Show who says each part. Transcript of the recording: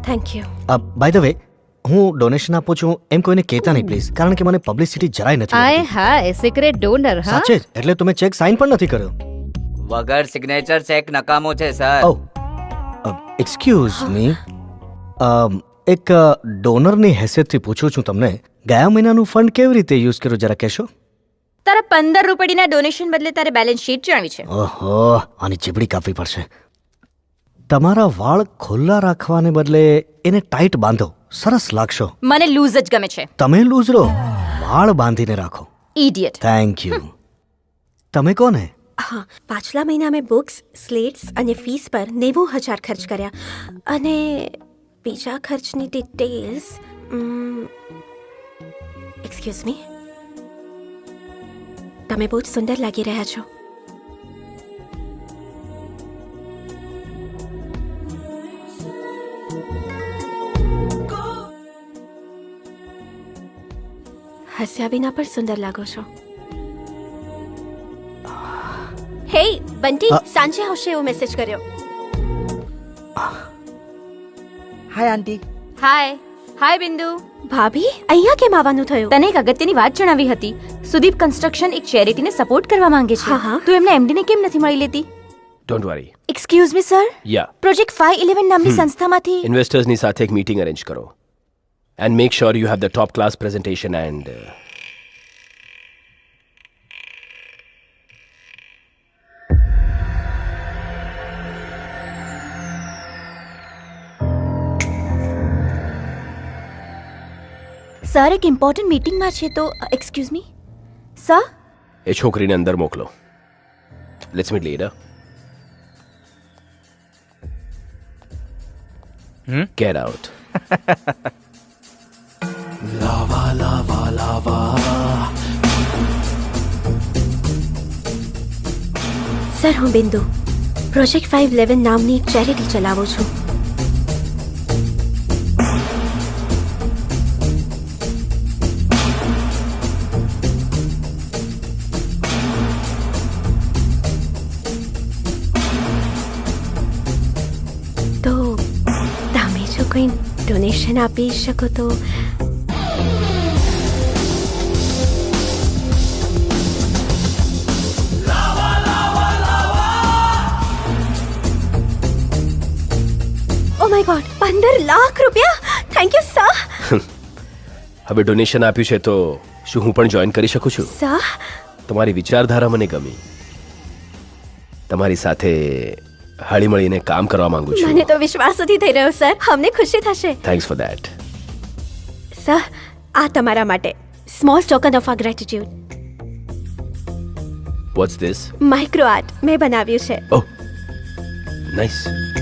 Speaker 1: Thank you.
Speaker 2: By the way, હું donation આપું છું એમ કોઈને કહેતા નહીં પ્લીઝ, કારણ કે મને પબ્લિસિટી જરાય નથી
Speaker 3: આય
Speaker 2: ગમતી.
Speaker 3: હાય સિક્રેટ ડોનર હા
Speaker 2: સાચે જ, એટલે તમે ચેક સાઇન પણ નથી કર્યો.
Speaker 4: વગર સિગ્નેચર ચેક નકામો છે સર.
Speaker 2: ઓ એક્સક્યુઝ મી, એક ડોનરની હેસિયતથી પૂછું છું તમને, ગયા મહિનાનું ફંડ કેવી રીતે યુઝ કર્યું જરા કહેશો?
Speaker 1: તારા 15 રૂપિયાના ડોનેશન બદલે તારે બેલેન્સ શીટ જાણવી છે.
Speaker 2: ઓહો, આની ચીબડી કાપવી પડશે. તમારા વાળ ખુલ્લા રાખવાને બદલે એને ટાઈટ બાંધો, સરસ લાગશો.
Speaker 1: મને લૂઝ જ ગમે છે.
Speaker 2: તમે લૂઝ રહો, વાળ બાંધીને રાખો.
Speaker 1: ઇડિયટ.
Speaker 2: Thank you. તમે કોને?
Speaker 5: હા, પાછલા મહિના મેં બુક્સ, સ્લેટ્સ અને ફીસ પર 90,000 ખર્ચ કર્યા અને બીજા ખર્ચની ડિટેલ્સ એક્સક્યુઝ મી, તમે બહુ જ સુંદર લાગી રહ્યા છો. હસ્યા વિના પણ સુંદર લાગો છો. હે બંટી, સાંજે આવશે એવો મેસેજ કર્યો.
Speaker 6: હાય આંટી.
Speaker 1: હાય. હાય બિંદુ.
Speaker 5: ભાભી, અહીંયા કેમ આવવાનું થયું?
Speaker 1: તને એક અગત્યની વાત જણાવી હતી. સુદીપ કન્સ્ટ્રક્શન એક ચેરિટીને સપોર્ટ કરવા માંગે છે.
Speaker 5: હા, હા.
Speaker 1: તું એમના એમડીને કેમ નથી મળી લેતી?
Speaker 7: Don't worry.
Speaker 1: Excuse me sir,
Speaker 7: yeah,
Speaker 1: project 511 નામની સંસ્થામાંથી
Speaker 7: ઇન્વેસ્ટર્સની સાથે એક મીટિંગ અરેન્જ કરો and make sure you have the top class presentation and
Speaker 1: sir એક ઇમ્પોર્ટન્ટ મીટિંગમાં છે તો એક્સક્યુઝ મી સર.
Speaker 7: એ છોકરીને અંદર મોકલો. Let's meet later. Get out.
Speaker 5: Sir, હું બિંદુ પ્રોજેક્ટ 511 નામની એક ચેરિટી ચલાવું છું. તો તમે જો કોઈ ડોનેશન આપી શકો તો. ઓ માય ગોડ, 15 લાખ રૂપિયા! Thank you sir.
Speaker 7: હવે ડોનેશન આપ્યું છે તો શું હું પણ જોઈન કરી શકું છું?
Speaker 5: સર,
Speaker 7: તમારી વિચારધારા મને ગમી. તમારી સાથે હળીમળીને કામ કરવા માંગુ છું.
Speaker 5: મને તો વિશ્વાસ નથી થઈ રહ્યો સર. અમને ખુશી થશે.
Speaker 7: Thanks for that.
Speaker 5: સર, આ તમારા માટે small token of our gratitude.
Speaker 7: What's this?
Speaker 5: Micro art મેં બનાવ્યું છે.
Speaker 7: Oh, nice.